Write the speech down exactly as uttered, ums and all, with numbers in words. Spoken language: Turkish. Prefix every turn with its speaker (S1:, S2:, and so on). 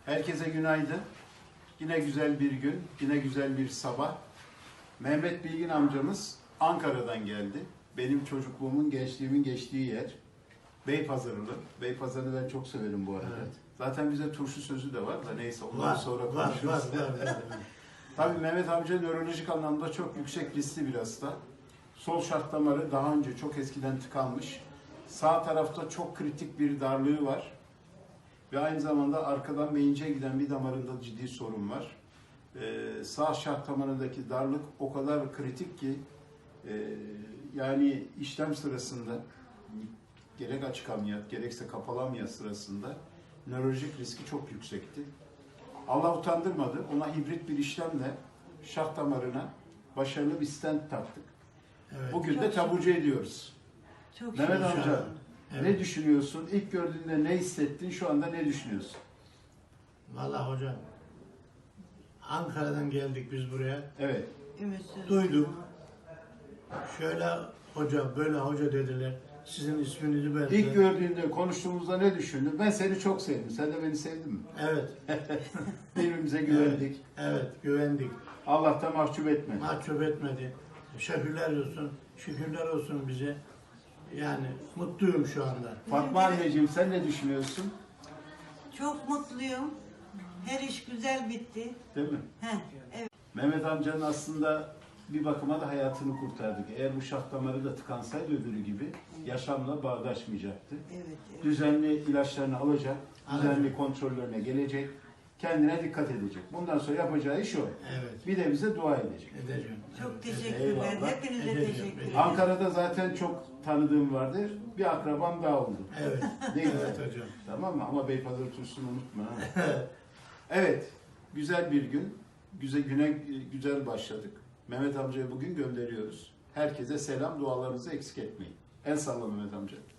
S1: Herkese günaydın. Yine güzel bir gün, yine güzel bir sabah. Mehmet Bilgin amcamız Ankara'dan geldi. Benim çocukluğumun, gençliğimin geçtiği yer. Beypazarılı. Beypazarı'nı ben çok severim bu arada.
S2: Evet.
S1: Zaten bize turşu sözü de var da neyse ondan
S2: Var,
S1: sonra
S2: var,
S1: konuşuruz.
S2: var, var, var.
S1: Tabii Mehmet amca nörolojik anlamda çok yüksek riskli bir hasta. Sol şah damarı daha önce çok eskiden tıkanmış. Sağ tarafta çok kritik bir darlığı var. Ve aynı zamanda arkadan beyince giden bir damarında ciddi sorun var. Ee, sağ şah damarındaki darlık o kadar kritik ki e, yani işlem sırasında gerek açık ameliyat gerekse kapalı ameliyat sırasında nörolojik riski çok yüksekti. Allah utandırmadı. Ona hibrit bir işlemle şah damarına başarılı bir stent taktık.
S2: Evet.
S1: Bugün
S3: Çok
S1: de taburcu ediyoruz.
S3: Çok
S1: Mehmet
S3: şükür.
S1: amca,
S2: Evet.
S1: ne düşünüyorsun? İlk gördüğünde ne hissettin? Şu anda ne düşünüyorsun?
S2: Vallahi hocam, Ankara'dan geldik biz buraya.
S1: Evet.
S3: Ümitsiz.
S2: Duyduk. Şöyle hoca, böyle hoca dediler. Sizin isminizi verdiler.
S1: İlk gördüğünde, konuştuğumuzda ne düşündün? Ben seni çok sevdim. Sen de beni sevdin mi?
S2: Evet.
S1: Birbirimize güvendik.
S2: Evet, güvendik.
S1: Allah da mahcup etmedi.
S2: Mahcup etmedi. Şükürler olsun. Şükürler olsun bize. Yani mutluyum şu anda.
S1: Fatma anneciğim sen ne düşünüyorsun?
S3: Çok mutluyum. Her iş güzel bitti.
S1: Değil mi?
S3: Heh, evet.
S1: Mehmet amcanın aslında bir bakıma da hayatını kurtardık. Eğer bu şah damarı da tıkansaydı öbürü gibi yaşamla bağdaşmayacaktı.
S3: Evet, evet.
S1: Düzenli ilaçlarını alacak, düzenli
S2: Alacak.
S1: kontrollerine gelecek, kendine dikkat edecek. Bundan sonra yapacağı iş o.
S2: Evet.
S1: Bir de bize dua edecek.
S2: Edeceğim.
S3: Çok
S2: Evet,
S3: teşekkürler.
S1: Eyvallah.
S3: Hepinize
S2: Edeceğim.
S3: teşekkür ederim.
S1: Ankara'da zaten çok tanıdığım vardır. Bir akrabam daha oldu.
S2: Evet.
S1: Ne güzel.
S2: Evet hocam.
S1: Tamam mı? Ama Beypazarı turşusunu unutma. Ha? Evet. Güzel bir gün. Güzel güne güzel başladık. Mehmet amcaya bugün gönderiyoruz. Herkese selam, dualarınızı eksik etmeyin. El salla Mehmet amca.